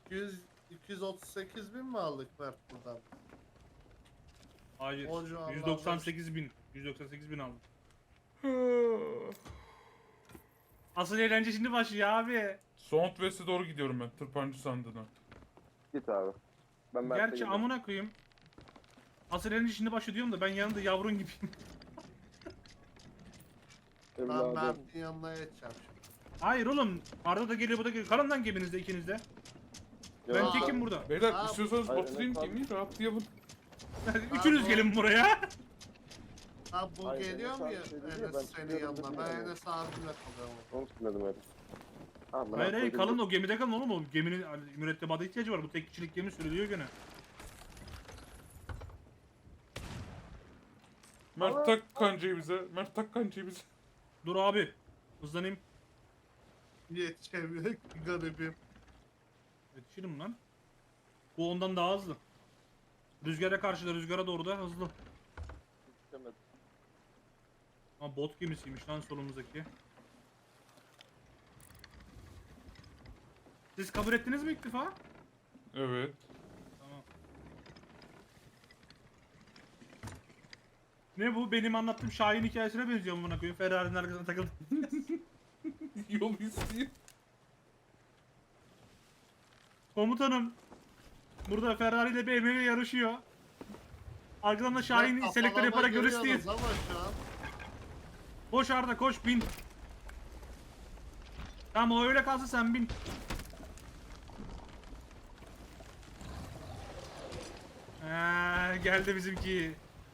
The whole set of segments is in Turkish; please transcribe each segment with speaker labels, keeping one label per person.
Speaker 1: 238 bin mi aldık Mert buradan?
Speaker 2: Hayır.
Speaker 1: O civarlarda.
Speaker 2: 198 bin. 198 bin aldım. Asıl eğlence şimdi başlıyor abi.
Speaker 3: Southwest'e doğru gidiyorum ben. Tırpancı sandığına.
Speaker 4: Git abi. Ben Mert'e
Speaker 2: Gerçi
Speaker 4: geliyorum.
Speaker 2: amına koyayım. Asıl eğlence şimdi başlıyor diyorum da ben yanında yavrun gibiyim.
Speaker 1: Ben
Speaker 4: Evladım.
Speaker 1: Mert'in yanına geçeceğim şimdi.
Speaker 2: Hayır oğlum. Arda da geliyor bu da geliyor. Kalın lan geminizde ikinizde. Ben
Speaker 4: Ya,
Speaker 2: tekim burada.
Speaker 3: Beyler
Speaker 1: Abi-
Speaker 3: istiyorsanız
Speaker 4: Hayır,
Speaker 3: batırayım
Speaker 4: evet,
Speaker 3: gemiyi rahatlayalım.
Speaker 2: Üçünüz
Speaker 1: Abi-
Speaker 2: gelin buraya.
Speaker 1: Ha bu
Speaker 4: Hayır,
Speaker 1: geliyor mu
Speaker 4: Enes
Speaker 1: ya
Speaker 4: abi şey dedi ya,
Speaker 1: Enes
Speaker 4: ben
Speaker 1: senin
Speaker 4: çıkıyorum
Speaker 1: yanına?
Speaker 4: dedi
Speaker 1: Ben
Speaker 4: ya.
Speaker 1: Enes abimle kalıyorum.
Speaker 4: Onu söyledim öyle. Amına
Speaker 2: Hayır hayır
Speaker 4: koydum.
Speaker 2: kalın o gemide kalın oğlum. O geminin hani, mürettebata ihtiyacı var. Bu tek kişilik gemi sürülüyor gene.
Speaker 3: Mert tak kancayı bize. Mert tak kancayı bize.
Speaker 2: Dur abi. Hızlanayım.
Speaker 1: Yetişemiyor ki garibim.
Speaker 2: Yetişirim lan. Bu ondan daha hızlı. Rüzgara karşı da rüzgara doğru da hızlı.
Speaker 4: Yetişemedim.
Speaker 2: Ama bot gemisiymiş lan solumuzdaki. Siz kabul ettiniz mi iktifa?
Speaker 3: Evet.
Speaker 2: Tamam. Ne bu? Benim anlattığım Şahin hikayesine benziyor mu buna koyayım? Ferrari'nin arkasına takıldım.
Speaker 3: Yol isteyeyim.
Speaker 2: Komutanım. Burada Ferrari ile BMW yarışıyor. Arkadan da Şahin
Speaker 1: Ya,
Speaker 2: selektör
Speaker 1: kafalama
Speaker 2: yaparak görüştü.
Speaker 1: giriyoruz ama şu an.
Speaker 2: Koş Arda koş bin. Tamam o öyle kalsın sen bin. Geldi bizimki.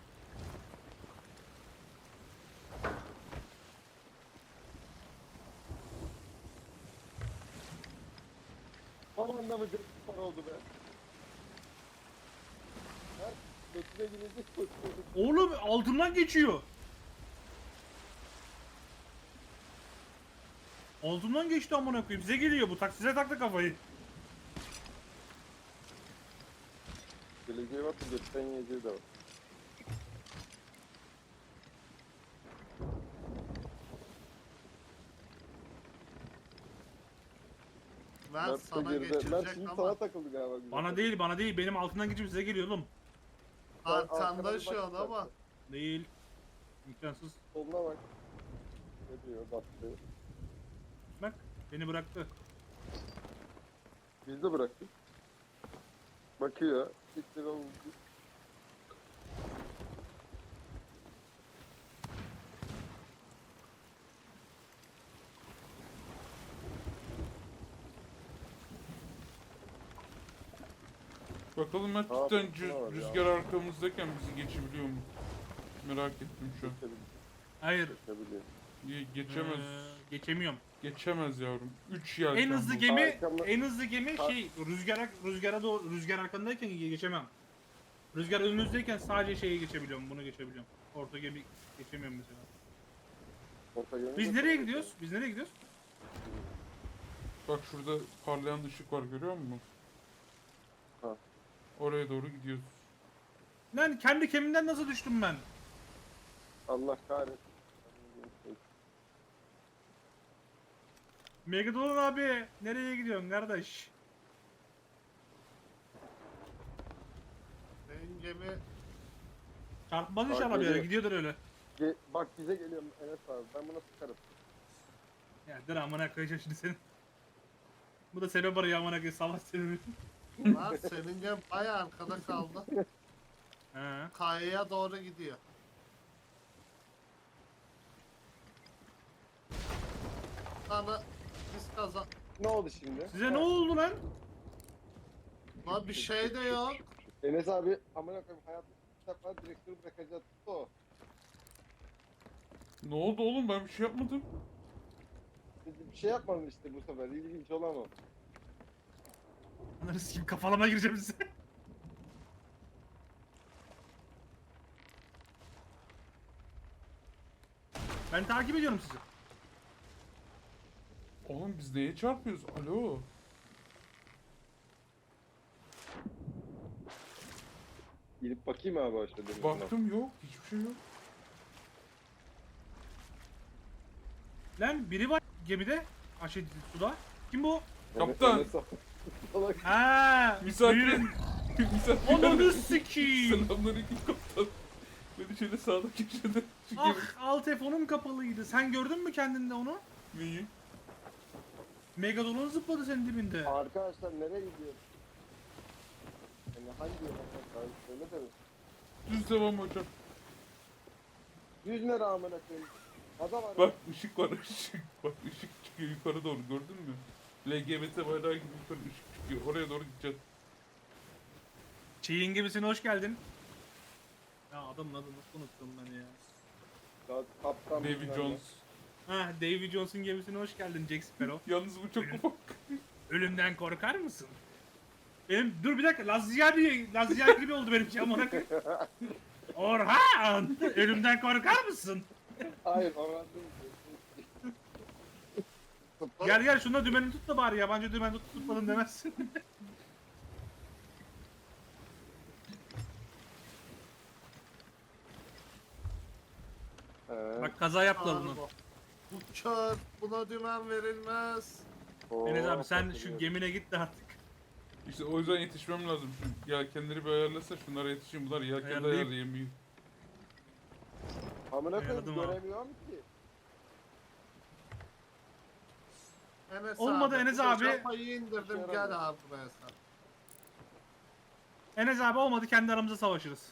Speaker 4: Tam anlamadım. Para oldu be. Mert götüne gidecek koşuyorduk.
Speaker 2: Oğlum altından geçiyor. Altından geçti amına koyayım. Size geliyor bu. Size taktı kafayı.
Speaker 4: Geleceği varsa götten yiyeceği de var.
Speaker 1: Ben
Speaker 4: Mert de
Speaker 1: sana
Speaker 4: geride. Mert
Speaker 1: geçirecek
Speaker 4: şimdi
Speaker 1: ama
Speaker 4: sana takıldı galiba. güzel.
Speaker 2: Bana değil. Benim altından geçip size geliyor oğlum.
Speaker 1: arkanda
Speaker 4: Arkadan
Speaker 1: şu an
Speaker 4: bak
Speaker 1: ama.
Speaker 4: Mert'e.
Speaker 2: Değil. İmkansız.
Speaker 4: Soluna bak. Ne diyor baktı.
Speaker 2: Bak beni bıraktı.
Speaker 4: Biz de bıraktık. Bakıyor. Siktir oldu.
Speaker 3: Bakalım Mert
Speaker 4: Aa,
Speaker 3: cidden
Speaker 4: fırtına var ya.
Speaker 3: rüzgar arkamızdayken bizi geçebiliyor mu? Merak ettim şu an.
Speaker 2: Hayır.
Speaker 4: Geçebiliyor.
Speaker 3: Geçemez.
Speaker 2: Geçemiyorum.
Speaker 3: Geçemez yavrum. 3 yelken
Speaker 2: En hızlı
Speaker 3: bu.
Speaker 2: gemi,
Speaker 4: Arkamda-
Speaker 2: en hızlı gemi şey rüzgara doğru rüzgar arkandayken geçemem. Rüzgar önünüzdeyken sadece şeyi geçebiliyorum, bunu geçebiliyorum. Orta gemi geçemiyorum mesela.
Speaker 4: Orta yönü
Speaker 2: Biz
Speaker 4: de-
Speaker 2: nereye gidiyoruz? Biz nereye gidiyoruz?
Speaker 3: Bak şurada parlayan ışık var görüyor musun?
Speaker 4: Ha.
Speaker 3: Oraya doğru gidiyoruz.
Speaker 2: Lan kendi gemimden nasıl düştüm ben?
Speaker 4: Allah kahretsin.
Speaker 2: Megadolon abi nereye gidiyorsun kardeş?
Speaker 1: Benim gemi
Speaker 2: Çarpmaz inşallah
Speaker 4: Abi,
Speaker 2: bir yere
Speaker 4: geliyor.
Speaker 2: gidiyordur öyle.
Speaker 4: Bak bize geliyor Enes abi. Ben buna sıkarım.
Speaker 2: Ya dur amına koyacağım şimdi senin. Bu da sebep arıyor amına koyayım savaş sebebi.
Speaker 1: var. Senin gemi bayağı arkada kaldı.
Speaker 2: He.
Speaker 1: Kayaya doğru gidiyor. Sana biz kazan...
Speaker 4: Ne oldu şimdi?
Speaker 2: Size ne oldu lan?
Speaker 1: Lan bir şey de yok.
Speaker 4: Enes abi amına koyayım hayatım bir defa direktörü bırakacaktı o.
Speaker 3: Ne oldu oğlum ben bir şey yapmadım.
Speaker 4: Bir şey yapmadın işte bu sefer. İlginç olan o.
Speaker 2: Ananı sikeyim kafalama gireceğim size. Ben takip ediyorum sizi.
Speaker 3: Oğlum biz neye çarpıyoruz? Alo.
Speaker 4: Gidip bakayım abi aşağıda. denizine.
Speaker 3: Baktım yok. Hiçbir şey yok.
Speaker 2: Lan biri var gemide. Aşağı suda. Kim bu?
Speaker 4: Enes-
Speaker 3: Kaptan.
Speaker 4: Enes abi- Salak.
Speaker 2: Ha,
Speaker 3: Misafir.
Speaker 2: buyurun.
Speaker 3: Misafir.
Speaker 2: Ananı sikiyim.
Speaker 3: Selamünaleyküm kaptan. Beni şöyle sağda köşede. Şu
Speaker 2: Ah, alt telefonum kapalıydı. Sen gördün mü kendinde onu?
Speaker 3: Neyi?
Speaker 2: Megalodon zıpladı senin dibinde.
Speaker 4: Arkadaşlar nereye gidiyor? Yani hangi yöne? Söyle de.
Speaker 3: Düz devam hocam.
Speaker 4: 100 lira amına koyayım. Adam var.
Speaker 3: Bak ışık var ışık. Bak ışık çıkıyor yukarı doğru gördün mü? LGBT bayrağı gibi yukarı ışık çıkıyor. Oraya doğru gideceğiz.
Speaker 2: Çiğin gibisine hoş geldin. Ya adamın adını nasıl unuttum ben ya.
Speaker 4: Ya, kaptan
Speaker 3: Davy
Speaker 4: bilmem ne.
Speaker 3: Jones.
Speaker 2: Ha, Davy Jones'un gemisine hoş geldin Jack Sparrow.
Speaker 3: Yalnız bu çok ufak.
Speaker 2: Ölümden korkar mısın? Dur bir dakika, Lazyali gibi oldu benim şey amına koyayım. Orhan! Ölümden korkar mısın?
Speaker 4: Hayır oradan değil.
Speaker 2: Gel şunda dümeni tut da bari, yabancı dümen tutmadın demezsin. Bak kaza yaptılar bunu.
Speaker 1: Araba. Bu kör. Buna dümen verilmez.
Speaker 2: Enes abi sen şu gemine git de artık.
Speaker 3: İşte o yüzden yetişmem lazım. Şu yelkenleri bir ayarlasa şunlara yetişeyim. Bunlar yelken de
Speaker 2: Ayarlayayım.
Speaker 3: ayarlayamıyor.
Speaker 4: Amına koyayım
Speaker 2: Ayarladım abi.
Speaker 4: göremiyorum ki.
Speaker 1: Enes
Speaker 2: Olmadı
Speaker 1: abi,
Speaker 2: Enes
Speaker 1: bu
Speaker 2: abi.
Speaker 1: Kafayı indirdim
Speaker 4: İşe
Speaker 1: gel
Speaker 4: yaramıyor.
Speaker 1: abi buraya sen.
Speaker 2: Enes abi olmadı, kendi aramızda savaşırız.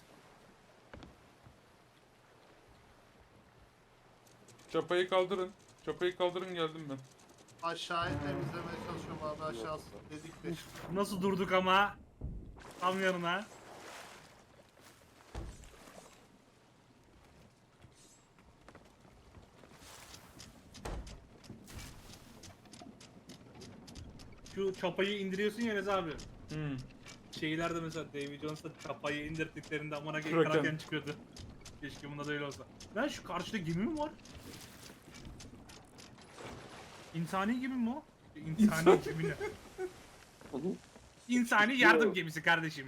Speaker 3: Çapayı kaldırın. Çapayı kaldırın geldim ben.
Speaker 1: Aşağıyı temizlemeye çalışıyorum abi aşağısı. Dedik de.
Speaker 2: Nasıl durduk ama. Tam yanına. Şu çapayı indiriyorsun ya Enes abi.
Speaker 3: Hmm.
Speaker 2: Şeylerde mesela Davy Jones'ta çapayı indirdiklerinde amına
Speaker 3: Kraken.
Speaker 2: Kraken çıkıyordu. Keşke bunda da öyle olsa. Lan şu karşıda gemi mi var? İnsani gemi mi o? İnsani gemi ne? İnsani yardım gemisi kardeşim.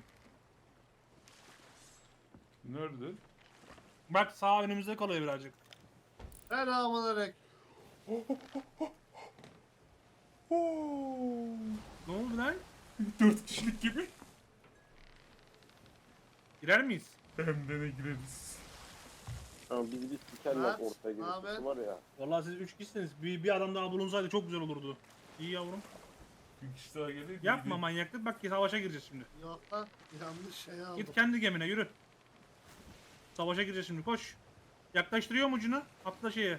Speaker 3: Nerede?
Speaker 2: Bak sağ önümüzde kalıyor birazcık.
Speaker 1: Selamünaleyküm.
Speaker 2: Ne oldu lan?
Speaker 3: 4 kişilik gibi.
Speaker 2: Girer miyiz?
Speaker 3: Hem de ne gireriz.
Speaker 4: Ama bizi bir sikerler
Speaker 1: Evet,
Speaker 4: ortaya
Speaker 1: abi.
Speaker 4: gelirse var ya.
Speaker 2: Vallahi siz 3 kişisiniz. Bir adam daha bulunsaydı çok güzel olurdu. İyi yavrum.
Speaker 3: Bir kişi daha gelir.
Speaker 2: Yapma manyaklık, bak ki savaşa gireceğiz şimdi.
Speaker 1: Yok lan yanlış şey aldım.
Speaker 2: Git kendi gemine yürü. Savaşa gireceğiz şimdi, koş. Yaklaştırıyorum ucunu. Atla şeye.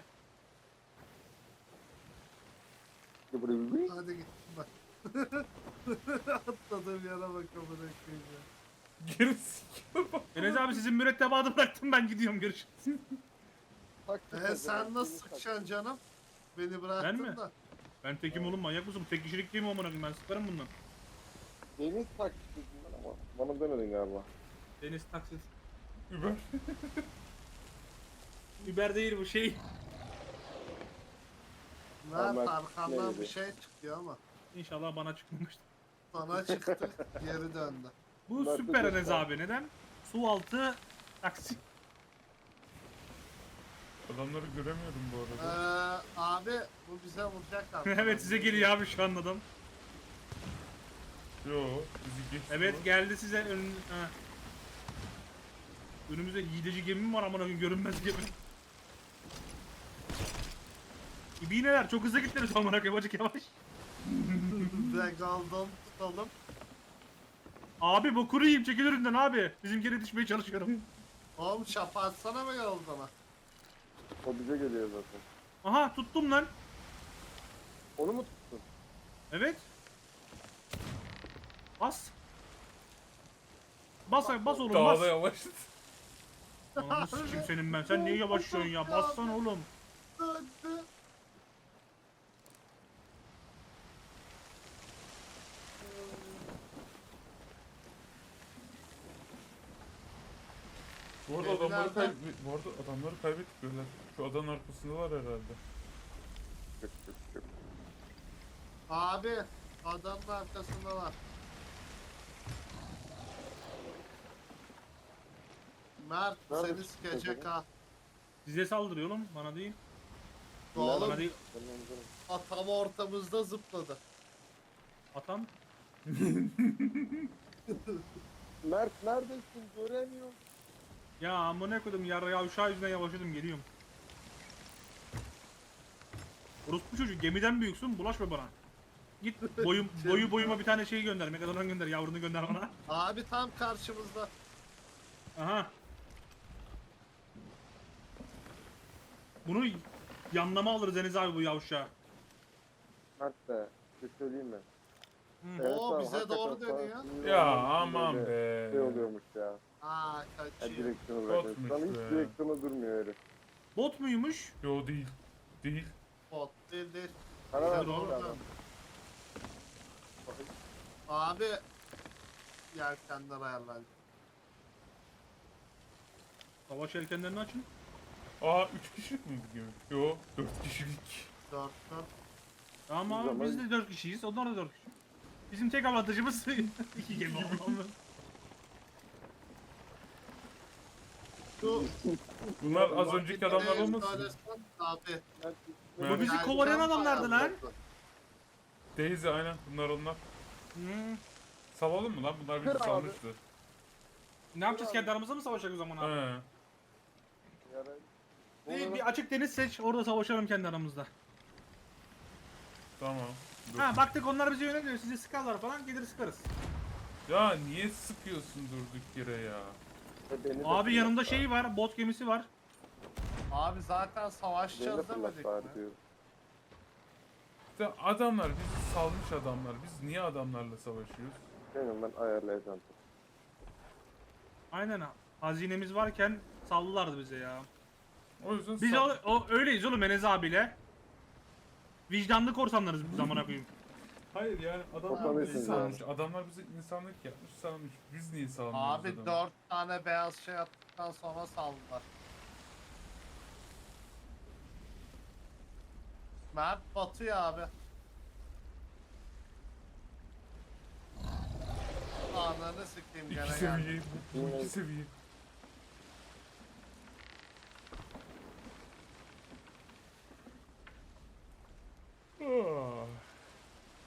Speaker 1: Hadi git bak. Atladığım yere bak amına koyayım ya.
Speaker 3: Gerisi.
Speaker 2: Enes abi sizin mürettebatı bıraktım, ben gidiyorum, görüşürüz.
Speaker 1: Sen nasıl sıkacaksın canım? Beni bıraktın
Speaker 2: Ben mi?
Speaker 1: da.
Speaker 2: Ben tekim oğlum, manyak mısın? Tek kişilik değil mi amına koyayım, ben sıkarım bundan.
Speaker 4: Deniz taksitsin ama bana demedin galiba.
Speaker 2: Deniz taksit.
Speaker 3: Über.
Speaker 2: Uber değil bu şey.
Speaker 1: Mert
Speaker 4: Mert
Speaker 1: arkandan
Speaker 4: neydi?
Speaker 1: bir şey çıkıyor ama.
Speaker 2: İnşallah bana çıkmamıştır.
Speaker 1: Sana çıktı geri döndü.
Speaker 2: Bu
Speaker 4: Mert
Speaker 2: süper
Speaker 4: de
Speaker 2: Enes
Speaker 4: göster.
Speaker 2: abi, neden? Su altı taksi.
Speaker 3: Adamları göremiyorum bu arada.
Speaker 1: Abi bu bize vuracak abi.
Speaker 2: Evet size geliyor abi şu an adam.
Speaker 3: Yo, bizi geçti.
Speaker 2: Evet geldi size ha. Önümüzde hileci gemi mi var amına koyayım, görünmez gemi. İbineler çok hızlı gittiniz amına koyayım, acık yavaş.
Speaker 1: Regaldan tutalım.
Speaker 2: Abi bu kuru yiyeyim, çekil önünden abi. Bizimkine düşmeye çalışıyorum.
Speaker 1: Oğlum çapa atsana mı yoldana?
Speaker 4: O bize geliyor zaten.
Speaker 2: Aha tuttum lan.
Speaker 4: Onu mu tuttun?
Speaker 2: Evet. Bas. Bas oğlum,
Speaker 3: Daha
Speaker 2: bas.
Speaker 3: da yavaşladı.
Speaker 2: Ananı sikeyim senin ben. Sen niye yavaşlıyorsun ya? Bassana oğlum.
Speaker 1: Döndü.
Speaker 3: Bu arada
Speaker 1: Evlerde-
Speaker 3: adamları kaybettik böyle. Şu adanın arkasındalar herhalde.
Speaker 4: Çık çık çık.
Speaker 1: Abi adamın arkasındalar. Mert
Speaker 4: Nerede
Speaker 1: seni
Speaker 4: çıktı
Speaker 1: sikecek
Speaker 4: acaba?
Speaker 1: ha.
Speaker 2: Size saldırıyor oğlum, bana değil.
Speaker 1: Oğlum
Speaker 2: Bana değil.
Speaker 4: Tamam, tamam.
Speaker 1: tam ortamızda zıpladı.
Speaker 2: Atan.
Speaker 4: Mert neredesin? Göremiyorum.
Speaker 2: Ya amına koydum ya uşağı yüzünden yavaşladım geliyorum. Orospu çocuğu gemiden büyüksün bulaşma bana. Git boyuma bir tane şey gönder. Megalodon gönder yavrunu gönder bana.
Speaker 1: Abi tam karşımızda.
Speaker 2: Aha. Bunu yanlama alırız Enes abi bu yavşağı.
Speaker 4: Mert de. Bir şey söyleyeyim mi?
Speaker 2: Hı.
Speaker 4: Evet
Speaker 1: Oo,
Speaker 4: abi,
Speaker 1: bize
Speaker 4: hakikaten
Speaker 1: doğru dönüyor.
Speaker 4: sana sinir
Speaker 3: Ya
Speaker 4: olmak için
Speaker 3: aman
Speaker 4: böyle
Speaker 3: be.
Speaker 4: Şey oluyormuş ya.
Speaker 1: Aa
Speaker 4: Ya
Speaker 1: kaçıyor.
Speaker 4: direksiyonu bırakıyor.
Speaker 3: Botmuş
Speaker 4: Sana hiç
Speaker 3: be.
Speaker 4: direksiyonu durmuyor herif.
Speaker 2: Bot muymuş?
Speaker 3: Yo değil. Değil.
Speaker 1: Bot değil değil.
Speaker 4: Sana
Speaker 1: Bize
Speaker 4: ver
Speaker 1: doğru
Speaker 4: adam.
Speaker 1: dön. Abi yelkenler ayarlandı.
Speaker 2: Savaş yelkenlerini açın.
Speaker 3: Aa 3 kişilik mi bu gemi? Yo 4 kişilik.
Speaker 1: 4
Speaker 2: Tamam
Speaker 4: Biz
Speaker 2: abi
Speaker 4: ama-
Speaker 2: biz de 4 kişiyiz. Onlar da 4 kişi. Bizim tek avantajımız 2 gemi olmamız.
Speaker 1: Şu
Speaker 3: Bunlar az önceki adamlar olmasın?
Speaker 1: söylesen Abi.
Speaker 4: Mert,
Speaker 3: Bu
Speaker 2: bizi
Speaker 1: yelken
Speaker 2: kovalayan adamlardı lan.
Speaker 1: ayarladı.
Speaker 3: Daisy aynen bunlar onlar.
Speaker 2: Hmm.
Speaker 3: Salalım mı lan? Bunlar bizi
Speaker 4: Kır abi.
Speaker 3: salmıştı.
Speaker 2: Ne yapacağız kendi aramızda mı savaşacak o zaman abi?
Speaker 3: He.
Speaker 4: Yarayı-
Speaker 2: Bir açık deniz seç orada savaşalım kendi aramızda.
Speaker 3: Tamam. Dur.
Speaker 2: Ha baktık onlar bize yöneliyor sizi sıkarlar falan gelir sıkarız.
Speaker 3: Ya niye sıkıyorsun durduk yere ya?
Speaker 4: Beni de
Speaker 2: Abi
Speaker 4: fırlat
Speaker 2: yanımda
Speaker 4: bari.
Speaker 2: şey var bot gemisi var.
Speaker 1: Abi zaten
Speaker 4: Beni de
Speaker 1: savaşacağız
Speaker 4: fırlat
Speaker 1: demedik
Speaker 4: bari
Speaker 1: mi?
Speaker 4: diyorum.
Speaker 3: İşte adamlar bizi salmış adamlar. Biz niye adamlarla savaşıyoruz?
Speaker 4: Senin ben ayarlayacağım.
Speaker 2: Aynen ha. Hazinemiz varken sallılardı bize ya.
Speaker 3: O yüzden
Speaker 2: Biz öyleyiz oğlum Enes abiyle. Vicdanlı korsanlarız biz zamana koyayım.
Speaker 3: Hayır yani adamlar
Speaker 4: Korsanlısın
Speaker 3: bizi
Speaker 4: yani.
Speaker 3: salmış. Adamlar bize insanlık yapmış salmış. Biz niye salmıyoruz
Speaker 1: Abi
Speaker 3: adamı?
Speaker 1: 4 tane beyaz şey attıktan sonra saldılar. Mert batıyor abi. Ananı sikeyim gene
Speaker 3: İki
Speaker 1: geldi.
Speaker 3: seviye. Bu iki seviye. Ah.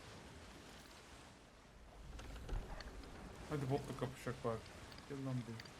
Speaker 3: Hadi botla kapışacak bari. Gel lan buraya.